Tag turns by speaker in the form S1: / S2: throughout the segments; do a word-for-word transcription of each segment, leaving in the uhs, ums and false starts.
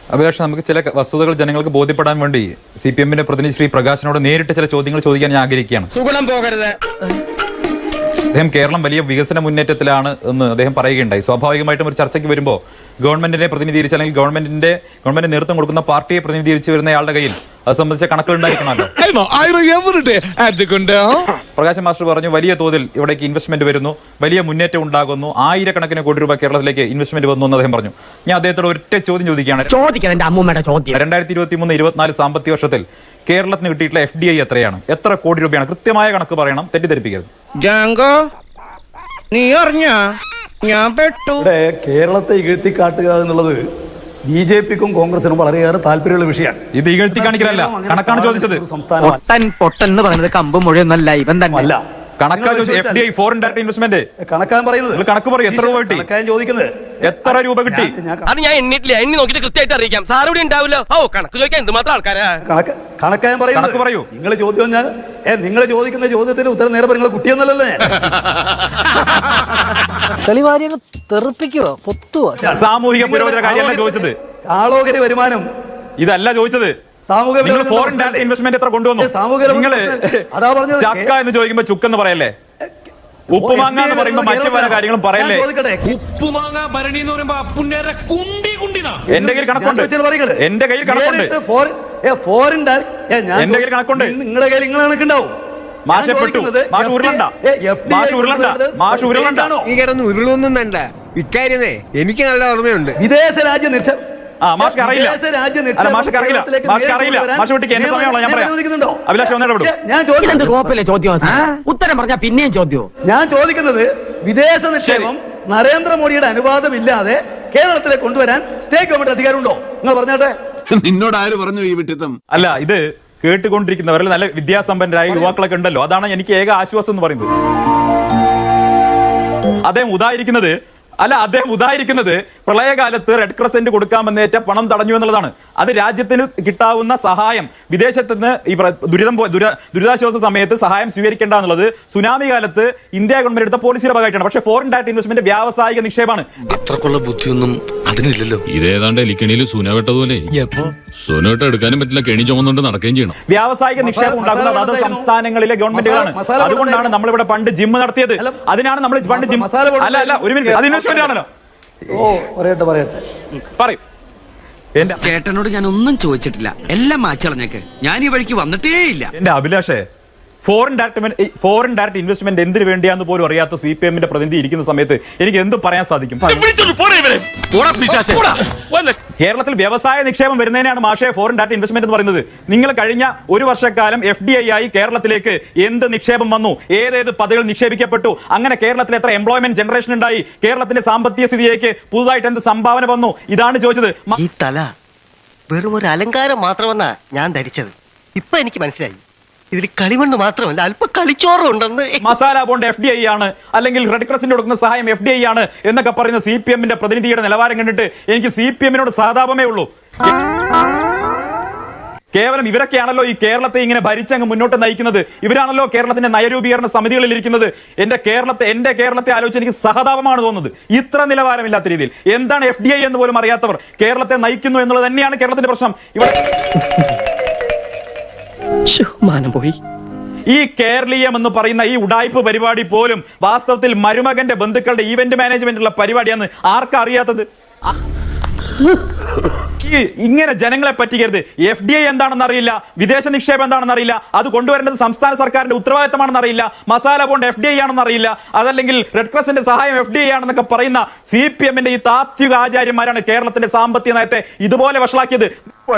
S1: അഭിലാഷ്, നമുക്ക് ചില വസ്തുതകൾ ജനങ്ങൾക്ക് ബോധ്യപ്പെടാൻ വേണ്ടി സി പി എമ്മിന്റെ പ്രതിനിധി ശ്രീ പ്രകാശിനോട് നേരിട്ട് ചില ചോദ്യങ്ങൾ ചോദിക്കാൻ ഞാൻ ആഗ്രഹിക്കുകയാണ്.
S2: സുഗുണം പോകരുത്.
S1: അദ്ദേഹം കേരളം വലിയ വികസന മുന്നേറ്റത്തിലാണ് എന്ന് അദ്ദേഹം പറയുകയുണ്ടായി. സ്വാഭാവികമായിട്ടും ഒരു ചർച്ചയ്ക്ക് വരുമ്പോൾ ഗവൺമെന്റിനെ പ്രതിനിധീകരിച്ച് അല്ലെങ്കിൽ ഗവൺമെന്റിന്റെ ഗവൺമെന്റ് നേതൃത്വം കൊടുക്കുന്ന പാർട്ടിയെ പ്രതിനിധീകരിച്ച് വരുന്നയാളുടെ കയ്യിൽ അത് സംബന്ധിച്ച കണക്കുകൾ ഉണ്ടായിരിക്കണമല്ലോ. പ്രകാശ് മാസ്റ്റർ പറഞ്ഞു, വലിയ തോതിൽ ഇവിടേക്ക് ഇൻവെസ്റ്റ്മെന്റ് വരുന്നു, വലിയ മുന്നേറ്റം ഉണ്ടാകുന്നു, ആയിരക്കണക്കിന് കോടി രൂപ കേരളത്തിലേക്ക് ഇൻവെസ്റ്റ്മെന്റ് വന്നു എന്ന് അദ്ദേഹം പറഞ്ഞു. ഞാൻ അദ്ദേഹത്തോട് ഒറ്റ ചോദ്യം ചോദിക്കുകയാണ്. രണ്ടായിരത്തി ഇരുപത്തി മൂന്ന് ഇരുപത്തിനാല് സാമ്പത്തിക വർഷത്തിൽ കേരളത്തിന് കിട്ടിയിട്ടുള്ള എഫ് ഡി ഐ എത്രയാണ്? എത്ര കോടി രൂപയാണ്? കൃത്യമായ കണക്ക് പറയണം, തെറ്റിദ്ധരിപ്പിക്കരുത്.
S2: നീ അറിഞ്ഞ ഞാൻ പെട്ടു.
S3: കേരളത്തെ ഇകഴ്ത്തിക്കാട്ടുക എന്നുള്ളത് ബി ജെ പിക്കും കോൺഗ്രസിനും വളരെയേറെ താല്പര്യമുള്ള വിഷയമാണ്.
S1: ഇത് ഇകഴ്ത്തി കാണിക്കലല്ല, കണക്കാണ് ചോദിച്ചത്.
S4: പൊട്ടൻ പൊട്ടൻ എന്ന് പറയുന്നത് കമ്പ് മുഴുവനല്ല, ഇവൻ തന്നെ അല്ല.
S1: കണക്കാ F D I foreign direct investment
S3: കണക്കാൻ പറയുന്നത്.
S1: കണക്ക് പറയും, എത്ര രൂപ കിട്ടി?
S3: ചോദിക്കുന്നത്
S1: എത്ര രൂപ കിട്ടി?
S2: അത് ഞാൻ എണ്ണിട്ടില്ല, എണ്ണി നോക്കിട്ട് കൃത്യമായിട്ട് അറിയിക്കാം. സാർ ഇവിടെ ഉണ്ടാവില്ല. ഓ, കണക്ക് ചോദിക്കാൻ എന്തുമാത്രം ആൾക്കാരാ.
S3: കണക്ക് കണക്കാൻ പറയുന്നത്
S1: പറയൂ.
S3: നിങ്ങൾ ചോദ്യം ഞാൻ നിങ്ങൾ ചോദിക്കുന്ന ചോദ്യത്തിന് ഉത്തരം നേരെ നിങ്ങൾ കുട്ടിയൊന്നല്ലേ.
S1: സാമൂഹിക പുരോഗതി കാര്യമല്ല ചോദിച്ചത്.
S3: ആളോഹരി വരുമാനം
S1: ഇതല്ല ചോദിച്ചത്.
S3: സാമൂഹിക
S1: ഫോറിൻ ഡയറക്ട് ഇൻവെസ്റ്റ്മെന്റ് എത്ര കൊണ്ടുവന്നു? നിങ്ങള് ചക്ക എന്ന് ചോദിക്കുമ്പോ ചുക്കെന്ന് പറയല്ലേ, ഉപ്പുമാങ്ങ എന്ന് പറയുമ്പോ മറ്റു പല കാര്യങ്ങളും പറയല്ലേ.
S5: ഉപ്പുമാങ്ങ ഭരണി എന്ന് പറയുമ്പോ
S1: എന്റെ കയ്യിൽ കണക്കുണ്ട്, എന്റെ കയ്യിൽ കണക്കുണ്ട്, എന്റെ കയ്യിൽ കണക്കുണ്ട്.
S3: നിങ്ങളുടെ കയ്യിൽ നിങ്ങൾ കണക്കുണ്ടാവും.
S1: മാഷെ പെട്ടു, മാഷ് ഉരുളണ്ട, മാഷ് ഉരുളണ്ട, മാഷ് ഉരുളണ്ട.
S6: ഈ കിടന്ന് ഉരുളൊന്നും വേണ്ട. ഇക്കാര്യമേ എനിക്ക് നല്ല ഓർമ്മയുണ്ട്.
S3: വിദേശ രാജ്യ നിക്ഷേപം
S1: ആ മാഷ്ക്ക് അറിയില്ല, അല്ല മാഷ്ക്ക് അറിയില്ല, മാഷ്ക്ക് അറിയില്ല. മാഷ് വിട്ടിക്ക് എന്റെ സമയമുള്ള ഞാൻ പറയാം. അഭിലാഷ് ഒന്നേടെ വിടും.
S3: ഞാൻ
S4: ഉത്തരം പറഞ്ഞാൽ പിന്നെയും ചോദ്യവും.
S3: ഞാൻ ചോദിക്കുന്നത് വിദേശ നിക്ഷേപം നരേന്ദ്രമോദിയുടെ അനുവാദമില്ലാതെ കേരളത്തിലേക്ക് കൊണ്ടുവരാൻ സ്റ്റേറ്റ് ഗവൺമെന്റ് അധികാരമുണ്ടോ? നിങ്ങൾ പറഞ്ഞാട്ടെ.
S7: നിന്നോട് ആര് പറഞ്ഞു ഈ വിട്ടിത്തം?
S1: അല്ല, ഇത് കേട്ടുകൊണ്ടിരിക്കുന്നവരിൽ നല്ല വിദ്യാസമ്പന്നരായ യുവാക്കളൊക്കെ ഉണ്ടല്ലോ, അതാണ് എനിക്ക് ഏക ആശ്വാസം എന്ന് പറയുന്നത്. അദ്ദേഹം ഉദാഹരിക്കുന്നത് അല്ല അദ്ദേഹം ഉദാഹരിക്കുന്നത് പ്രളയകാലത്ത് റെഡ് ക്രസന്റ് കൊടുക്കാമെന്നേറ്റ പണം തടഞ്ഞു എന്നുള്ളതാണ്. അത് രാജ്യത്തിന് കിട്ടാവുന്ന സഹായം, വിദേശത്ത് നിന്ന് ഈ ദുരിതം ദുരിതാശ്വാസ സമയത്ത് സഹായം സ്വീകരിക്കേണ്ട എന്നുള്ളത് സുനാമി കാലത്ത് ഇന്ത്യ ഗവൺമെന്റ് എടുത്ത പോളിസിയുടെ ഭാഗമായിട്ടാണ്. പക്ഷേ ഫോറിൻ ഡയറക്ട് ഇൻവെസ്റ്റ്മെന്റ് വ്യാവസായിക നിക്ഷേപമാണ്.
S7: അത്രക്കുള്ള ബുദ്ധിയൊന്നും അതിനില്ലല്ലോ.
S5: ഇതേതാണ്ട് എലിക്കണിയിൽ സുന വെട്ടതുപോലെ സുനോട്ട് എടുക്കാനും പറ്റില്ല, കെണി ചുമന്നുകൊണ്ട് നടക്കുകയും ചെയ്യണം.
S1: വ്യാവസായിക നിക്ഷേപം ഉണ്ടാക്കുന്നത് അത് സംസ്ഥാനങ്ങളിലെ ഗവൺമെന്റുകളാണ്. അതുകൊണ്ടാണ് നമ്മളിവിടെ പണ്ട് ജിം നടത്തിയത്. അതിനാണ് നമ്മൾ പണ്ട് ജിം അല്ല അല്ല ഒരു മിനിറ്റ് അത് ഇൻവെസ്റ്റ്മെന്റ് ആണല്ലോ.
S3: ഓ പറയട്ടെ പറയട്ടെ
S1: പറയും.
S6: ചേട്ടനോട് ഞാൻ ഒന്നും ചോദിച്ചിട്ടില്ല, എല്ലാം മാച്ചളഞ്ഞേക്ക്. ഞാൻ ഈ വഴിക്ക് വന്നിട്ടേ ഇല്ല.
S1: എന്റെ അഭിലാഷേ, foreign direct foreign direct investment എന്തിനു വേണ്ടിയാന്ന് പോലും അറിയാത്ത സി പി എമ്മിന്റെ പ്രതിനിധി ഇരിക്കുന്ന സമയത്ത് എനിക്ക് എന്ത് പറയാൻ സാധിക്കും? കേരളത്തിൽ വ്യവസായ നിക്ഷേപം വരുന്നതിനാണ് മാഷേ ഫോറിൻ ഡയറക്ട് ഇൻവെസ്റ്റ്മെന്റ് എന്ന് പറയുന്നത്. നിങ്ങൾ കഴിഞ്ഞ ഒരു വർഷക്കാലം എഫ് ഡി ഐ ആയി കേരളത്തിലേക്ക് എന്ത് നിക്ഷേപം വന്നു, ഏതേത് പദ്ധതികൾ നിക്ഷേപിക്കപ്പെട്ടു, അങ്ങനെ കേരളത്തിൽ എത്ര എംപ്ലോയ്മെന്റ് ജനറേഷൻ ഉണ്ടായി, കേരളത്തിന്റെ സാമ്പത്തിക സ്ഥിതിയിലേക്ക് പുതുതായിട്ട് എന്ത് സംഭാവന വന്നു, ഇതാണ് ചോദിച്ചത്.
S4: ഈ തല വെറും ഒരു അലങ്കാരം മാത്രമെന്നാ ഞാൻ ധരിച്ചത്. ഇപ്പൊ എനിക്ക് മനസ്സിലായി, ഇതിൽ കളിമണ്ണ് മാത്രമല്ല അല്പം കളിച്ചോറും ഉണ്ടെന്ന്.
S1: Masala bond F D I ആണ്, അല്ലെങ്കിൽ റെഡ് ക്രസിന് കൊടുക്കുന്ന സഹായം എഫ് ഡി ഐ ആണ് എന്നൊക്കെ പറയുന്ന സി പി എമ്മിന്റെ പ്രതിനിധിയുടെ നിലവാരം കണ്ടിട്ട് എനിക്ക് സി പി എമ്മിനോട് സഹതാപമേ ഉള്ളൂ. കേവലം ഇവരൊക്കെയാണല്ലോ ഈ കേരളത്തെ ഇങ്ങനെ ഭരിച്ചങ്ങ് മുന്നോട്ട് നയിക്കുന്നത്. ഇവരാണല്ലോ കേരളത്തിന്റെ നയരൂപീകരണ സമിതികളിൽ ഇരിക്കുന്നത്. എന്റെ കേരളത്തെ എന്റെ കേരളത്തെ ആലോചിച്ച് എനിക്ക് സഹതാപമാണ് തോന്നുന്നത്. ഇത്ര നിലവാരമില്ലാത്ത രീതിയിൽ എന്താണ് എഫ് ഡി ഐ എന്ന് പോലും അറിയാത്തവർ കേരളത്തെ നയിക്കുന്നു എന്നുള്ളത് തന്നെയാണ് കേരളത്തിന്റെ പ്രശ്നം. ഇവിടെ
S4: പോയി
S1: ഈ കേരളീയം എന്ന് പറയുന്ന ഈ ഉഡായിപ്പ് പരിപാടി പോലും വാസ്തവത്തിൽ മരുമകന്റെ ബന്ധുക്കളുടെ ഈവന്റ് മാനേജ്മെന്റുള്ള പരിപാടിയാണ്. ആർക്കാ അറിയാത്തത്? ഈ ഇങ്ങനെ ജനങ്ങളെ പറ്റിക്കരുത്. എഫ് ഡി ഐ എന്താണെന്ന് അറിയില്ല, വിദേശ നിക്ഷേപം എന്താണെന്ന് അറിയില്ല, അത് കൊണ്ടുവരേണ്ടത് സംസ്ഥാന സർക്കാരിന്റെ ഉത്തരവാദിത്തമാണെന്ന് അറിയില്ല, masala bond F D I ആണെന്ന് അറിയില്ല, അതല്ലെങ്കിൽ റെഡ് ക്രസിന്റെ സഹായം എഫ് ഡി ഐ ആണെന്നൊക്കെ പറയുന്ന സി പി എമ്മിന്റെ ഈ താത്വിക ആചാര്യന്മാരാണ് കേരളത്തിന്റെ സാമ്പത്തിക നയത്തെ ഇതുപോലെ വഷളാക്കിയത്.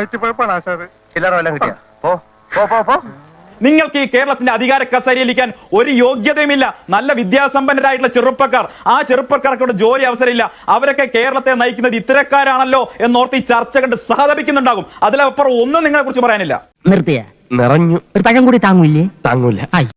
S1: നിങ്ങൾക്ക് ഈ കേരളത്തിന്റെ അധികാര കസേരയിലിരിക്കാൻ ഒരു യോഗ്യതയുമില്ല. നല്ല വിദ്യാസമ്പന്നരായിട്ടുള്ള ചെറുപ്പക്കാർ, ആ ചെറുപ്പക്കാർക്കുള്ള ജോലി അവസരമില്ല. അവരൊക്കെ കേരളത്തെ നയിക്കുന്നത് ഇത്തരക്കാരാണല്ലോ എന്നോർത്ത് ഈ ചർച്ച കണ്ട് സഹതപിക്കുന്നുണ്ടാകും. അതിലപ്പുറം ഒന്നും നിങ്ങളെ കുറിച്ച് പറയാനില്ല.
S4: നിർത്തിയ നിറഞ്ഞു ഒരു പഴം കൂടി താങ്ങൂല്ലേ? താങ്ങൂല.